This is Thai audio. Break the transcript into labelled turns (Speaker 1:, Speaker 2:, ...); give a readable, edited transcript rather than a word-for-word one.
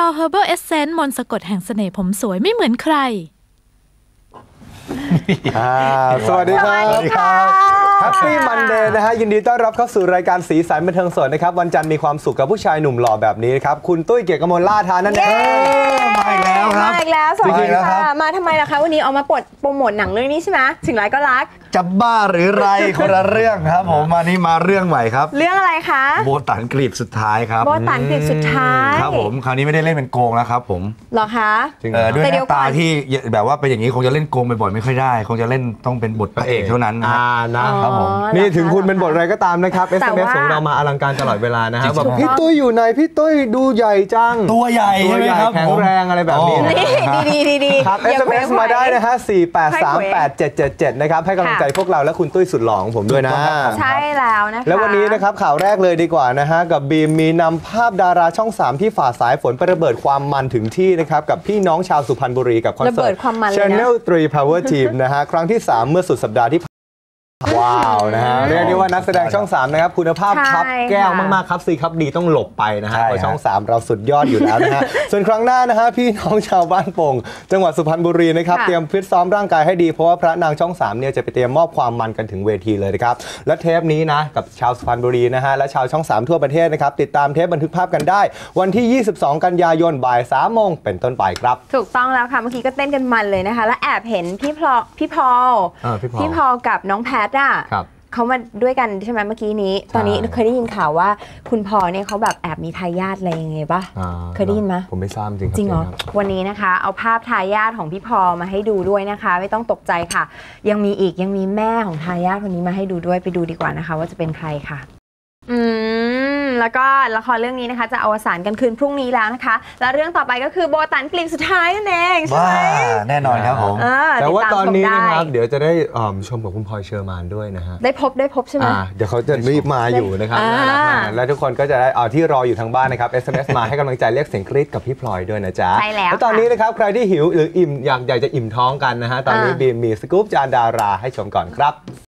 Speaker 1: Pure Herbal Essence มนต์สะกดแห่งเสน่ห์ผมสวยไม่เหมือนใคร
Speaker 2: สวัสดีครับแฮปปี้มันเดย์นะฮะยินดีต้อนรับเข้าสู่รายการสีสันบันเทิงสดนะครับวันจันทร์มีความสุขกับผู้ชายหนุ่มหล่อแบบนี้ครับคุณตุ้ยเกียรติกมลล่าทานั่นเอง
Speaker 3: มาอีกแล้วครับ
Speaker 4: มาอีกแล้วสวัสดีค่ะมาทำไมล่ะคะวันนี้เอามาโปรโมทหนังเรื่องนี้ใช่ไหมถึงไรก็รัก
Speaker 3: จะบ้าหรือไรคนละเรื่องครับผมวันนี้มาเรื่องใหม่ครับ
Speaker 4: เรื่องอะไรคะ
Speaker 3: โบตันกรีบสุดท้ายครับ
Speaker 4: โบตันกรีบสุดท้าย
Speaker 3: ครับผมคราวนี้ไม่ได้เล่นเป็นโกงแล้วครับผม
Speaker 4: หรอคะ
Speaker 3: ด้วยหน้าตาที่แบบว่าเป็นอย่างนี้คงจะเล่นโกงบ่อยๆไม่ค่อยได้คงจะเล่นต้องเป็นบทพระเอกเท่านั้น
Speaker 2: นะครับผมนี่ถึงคุณเป็นบทอะไรก็ตามนะครับ SMS ของเรามาอลังการตลอดเวลานะฮะแบบพี่ตุ้ยอยู่ไหนพี่ตุ้ยดูใหญ่จัง
Speaker 3: ตัวใหญ่ใช่ไหมครับ
Speaker 2: แข็งแรงอะไรแบบนี้
Speaker 4: ดี
Speaker 2: ครับ SMS มาได้นะฮะ4838777นะครับให้กำลังใจพวกเราและคุณตุ้ยสุดหล่อของผมด้วยนะ
Speaker 4: ใช่แล้วนะคะ
Speaker 2: แล้ววันนี้นะครับข่าวแรกเลยดีกว่านะฮะกับบีมมีนำภาพดาราช่อง3ที่ฝ่าสายฝนไประเบิดความมันถึงที่นะครับกับพี่น้องชาวสุพรรณบุรีกับคอนเสิร์ต Channel 3 Power Team นะฮะครั้งที่3เมื่อสุดสัปดาห์ที่ว้าวนะฮะเรียกได้ว่านักแสดงช่อง3นะครับคุณภาพครับแก้วมากๆครับซีครับดีต้องหลบไปนะฮะเพราะช่อง3เราสุดยอดอยู่แล้วนะฮะส่วนครั้งหน้านะฮะพี่น้องชาวบ้านโป่งจังหวัดสุพรรณบุรีนะครับเตรียมฟิตซ้อมร่างกายให้ดีเพราะว่าพระนางช่อง3เนี่ยจะไปเตรียมมอบความมันกันถึงเวทีเลยนะครับและเทปนี้นะกับชาวสุพรรณบุรีนะฮะและชาวช่อง3ทั่วประเทศนะครับติดตามเทปบันทึกภาพกันได้วันที่22กันยายนบ่าย 3 โมงเป็นต้นไปครับ
Speaker 4: ถูกต้องแล้วค่ะเมื่อกี้ก็เต้นกันมันเลยนะคะและแอบเห็นพี่พอลกับน้องแพทอ่ะเขามาด้วยกันใช่ไหมเมื่อกี้นี้ตอนนี้เคยได้ยินข่าวว่าคุณพอเนี่ยเขาแบบแอบมีทายาทอะไรยังไงป่ะเคยได้ยินไหม
Speaker 2: ผมไม่ทราบจริง
Speaker 4: จริงเหรอวันนี้นะคะเอาภาพทายาทของพี่พอมาให้ดูด้วยนะคะไม่ต้องตกใจค่ะยังมีแม่ของทายาทคนนี้มาให้ดูด้วยไปดูดีกว่านะคะว่าจะเป็นใครค่ะแล้วก็ละครเรื่องนี้นะคะจะอวสานกันคืนพรุ่งนี้แล้วนะคะแล้วเรื่องต่อไปก็คือโบตันกลีบสุดท้ายนั่นเองใช่ไหม
Speaker 3: แน่นอนครับผม
Speaker 2: แต่ว่าตอนนี้นะครับเดี๋ยวจะได้ชมกับคุณพลอยเชอร์มานด้วยนะฮะ
Speaker 4: ได้พบใช่ไหม
Speaker 2: เดี๋ยวเขาจะรีบมาอยู่นะครับและทุกคนก็จะได้ที่รออยู่ทางบ้านนะครับ SMS มาให้กำลังใจเรียกเสียงกรี๊ดกับพี่พลอยด้วยนะจ๊ะ
Speaker 4: ใช่แล้ว
Speaker 2: ตอนนี้นะครับใครที่หิวหรืออิ่มอยากจะอิ่มท้องกันนะฮะตอนนี้บีมมีสกู๊ปจานดาราให้ชมก่อนครับ